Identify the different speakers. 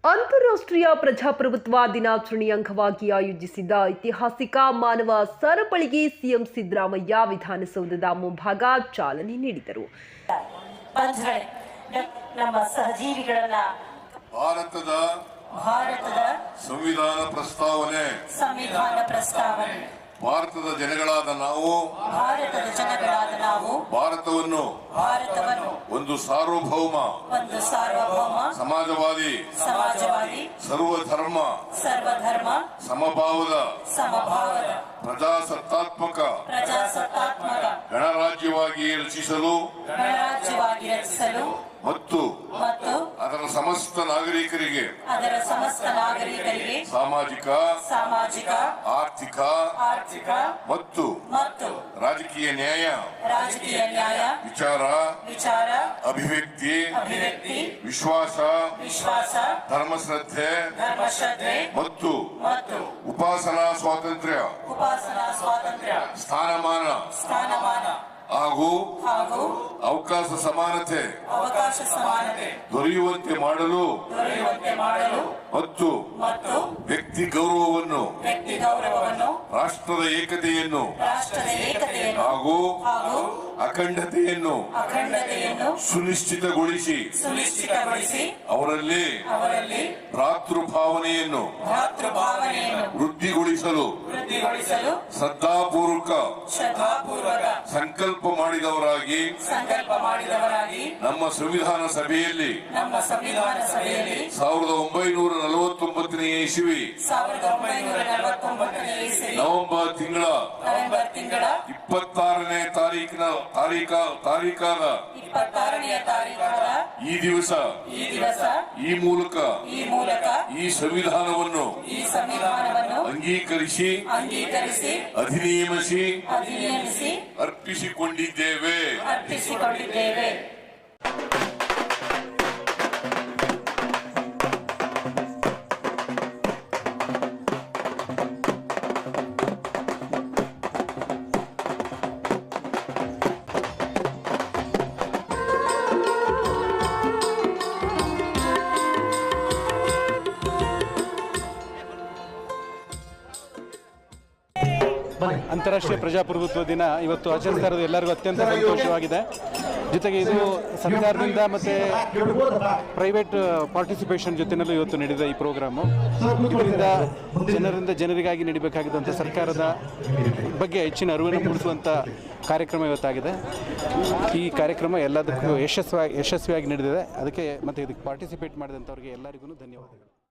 Speaker 1: ಅಂತಾರಾಷ್ಟ್ರೀಯ ಪ್ರಜಾಪ್ರಭುತ್ವ ದಿನಾಚರಣೆ ಅಂಗವಾಗಿ ಆಯೋಜಿಸಿದ್ದ ಐತಿಹಾಸಿಕ ಮಾನವ ಸರಪಳಿಗೆ ಸಿಎಂ ಸಿದ್ದರಾಮಯ್ಯ ವಿಧಾನಸೌಧದ ಮುಂಭಾಗ ಚಾಲನೆ ನೀಡಿದರು.
Speaker 2: ನಮ್ಮ ಸಹಜೀವಿಗಳನ್ನ ಭಾರತದ ಸಂವಿಧಾನ ಪ್ರಸ್ತಾವನೆ ಭಾರತದ ಜನಗಳಾದ ನಾವು ಭಾರತವನ್ನು ಒಂದು ಸಾರ್ವಭೌಮ ಸಮಾಜವಾದಿ ಸರ್ವಧರ್ಮ ಸಮಭಾವದ ಪ್ರಜಾಸತ್ತಾತ್ಮಕ ಗಣರಾಜ್ಯವಾಗಿ ರಚಿಸಲು ಮತ್ತು ಅದರ ಸಮಸ್ತ ನಾಗರಿಕರಿಗೆ ಸಾಮಾಜಿಕ ಆರ್ಥಿಕ ಮತ್ತು ರಾಜಕೀಯ ನ್ಯಾಯ ವಿಚಾರ ಅಭಿವ್ಯಕ್ತಿ ವಿಶ್ವಾಸ ಧರ್ಮಶ್ರದ್ಧೆ ಮತ್ತು ಉಪಾಸನಾ ಸ್ವಾತಂತ್ರ್ಯ ಸ್ಥಾನಮಾನ ಹಾಗೂ ಅವಕಾಶ ಸಮಾನತೆ ದೊರೆಯುವಂತೆ ಮಾಡಲು ಮತ್ತು ವ್ಯಕ್ತಿ ಗೌರವವನ್ನು ರಾಷ್ಟ್ರದ ಏಕತೆಯನ್ನು ಹಾಗೂ ಅಖಂಡತೆಯನ್ನು ಸುನಿಶ್ಚಿತಗೊಳಿಸಿ ಅವರಲ್ಲಿ ಭ್ರಾತೃಭಾವನೆಯನ್ನು ವೃದ್ಧಿಗೊಳಿಸಲು ಶ್ರದ್ಧಾಪೂರ್ವಕ ಸಂಕಲ್ಪ ಮಾಡಿದವರಾಗಿ ನಮ್ಮ ಸಂವಿಧಾನ ಸಭೆಯಲ್ಲಿ 1949ನೇ ಇಸವಿ ನವೆಂಬರ್ ತಿಂಗಳ 26ನೇ ತಾರೀಖಾದ ಈ ದಿವಸ ಈ ಮೂಲಕ ಈ ಸಂವಿಧಾನವನ್ನು ಅಂಗೀಕರಿಸಿ ಅಧಿನಿಯಮಿಸಿ ಅರ್ಪಿಸಿಕೊಂಡಿದ್ದೇವೆ.
Speaker 3: ಅಂತಾರಾಷ್ಟ್ರೀಯ ಪ್ರಜಾಪ್ರಭುತ್ವ ದಿನ ಇವತ್ತು ಆಚರಿಸ್ತಾ ಇರೋದು ಎಲ್ಲರಿಗೂ ಅತ್ಯಂತ ಸಂತೋಷವಾಗಿದೆ. ಜೊತೆಗೆ ಇದು ಸರ್ಕಾರದಿಂದ ಮತ್ತು ಪ್ರೈವೇಟ್ ಪಾರ್ಟಿಸಿಪೇಷನ್ ಜೊತೆಯಲ್ಲೂ ಇವತ್ತು ನಡೆದ ಈ ಪ್ರೋಗ್ರಾಮು ಇದರಿಂದ ಜನರಿಗಾಗಿ ನಡೀಬೇಕಾಗಿದ್ದಂಥ ಸರ್ಕಾರದ ಬಗ್ಗೆ ಹೆಚ್ಚಿನ ಅರಿವನ್ನು ಮೂಡಿಸುವಂಥ ಕಾರ್ಯಕ್ರಮ ಇವತ್ತಾಗಿದೆ. ಈ ಕಾರ್ಯಕ್ರಮ ಎಲ್ಲದಕ್ಕೂ ಯಶಸ್ವಿಯಾಗಿ ನಡೆದಿದೆ. ಅದಕ್ಕೆ ಮತ್ತು ಇದಕ್ಕೆ ಪಾರ್ಟಿಸಿಪೇಟ್ ಮಾಡಿದಂಥವ್ರಿಗೆ ಎಲ್ಲರಿಗೂ ಧನ್ಯವಾದಗಳು.